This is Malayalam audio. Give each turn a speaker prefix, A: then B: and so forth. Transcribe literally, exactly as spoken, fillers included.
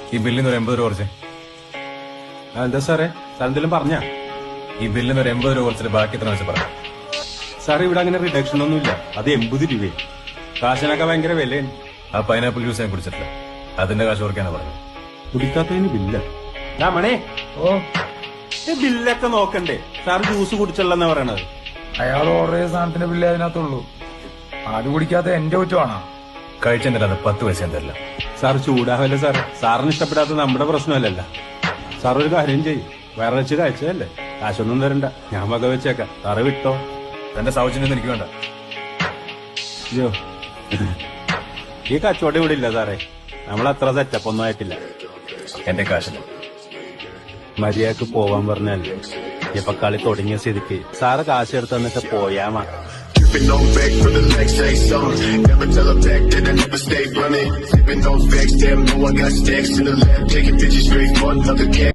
A: ഈ ബില്ലിന് ഒരു എൺപത് രൂപ കുറച്ച്.
B: എന്താ സാറേ സാർ എന്തെങ്കിലും പറഞ്ഞ
A: ഈ ബില്ലിന് ഒരു എൺപത് രൂപ കുറച്ചിട്ട് ബാക്കി എത്ര വെച്ച് പറയാം.
B: സാർ ഇവിടെ അങ്ങനെ റിഡക്ഷൻ ഒന്നുമില്ല. അത് എൺപത് രൂപയും കാശിനൊക്കെ ഭയങ്കര വിലയാണ്.
A: ആ പൈനാപ്പിൾ ജ്യൂസ് ഞാൻ കുടിച്ചിട്ടില്ല, അതിന്റെ കാശ് ഓർക്കാനാ പറഞ്ഞത്.
B: കുടിക്കാത്തതിന് ബില്ല രാമണേ.
C: ഓ
B: ബില്ലൊക്കെ നോക്കണ്ടേ? സാർ ജ്യൂസ് കുടിച്ചല്ലെന്നാ പറയണത്.
C: അയാൾ ഓർഡർ ചെയ്ത സാധനത്തിന്റെ ബില്ല് അതിനകത്തുള്ളൂ. അത് കുടിക്കാത്ത എന്റെ കുറ്റമാണോ?
A: കഴിച്ചെന്നില്ല, അത് പത്ത് പൈസ തരില്ല.
B: സാർ ചൂടാവല്ലേ സാറേ? സാറിന് ഇഷ്ടപ്പെടാത്ത നമ്മുടെ പ്രശ്നമല്ലല്ല. സാർ ഒരു കാര്യം ചെയ്യും, വേറെ വെച്ച് കഴിച്ചതല്ലേ, കാശൊന്നും തരണ്ട, ഞാൻ വക വെച്ചേക്കാം. സാറ് വിട്ടോ.
A: എന്റെ സൗജന്യം എനിക്ക് വേണ്ട.
B: അയ്യോ, ഈ കച്ചവടം ഇവിടെ ഇല്ല സാറേ. നമ്മളത്ര സെറ്റപ്പ് ഒന്നും ആയിട്ടില്ല.
A: എന്റെ കാശില്ല.
B: മര്യാദക്ക് പോവാൻ പറഞ്ഞല്ലേ. ഇപ്പൊ കളി തുടങ്ങിയ സ്ഥിതിക്ക് സാറ് കാശ് എടുത്ത് തന്നിട്ട് പോയാ മതി.
D: Sipping on back for the legs, say something. Never tell her back that I never stay running. Sipping on facts, damn, know I got stacks in the lab. Taking bitches straight for another cat.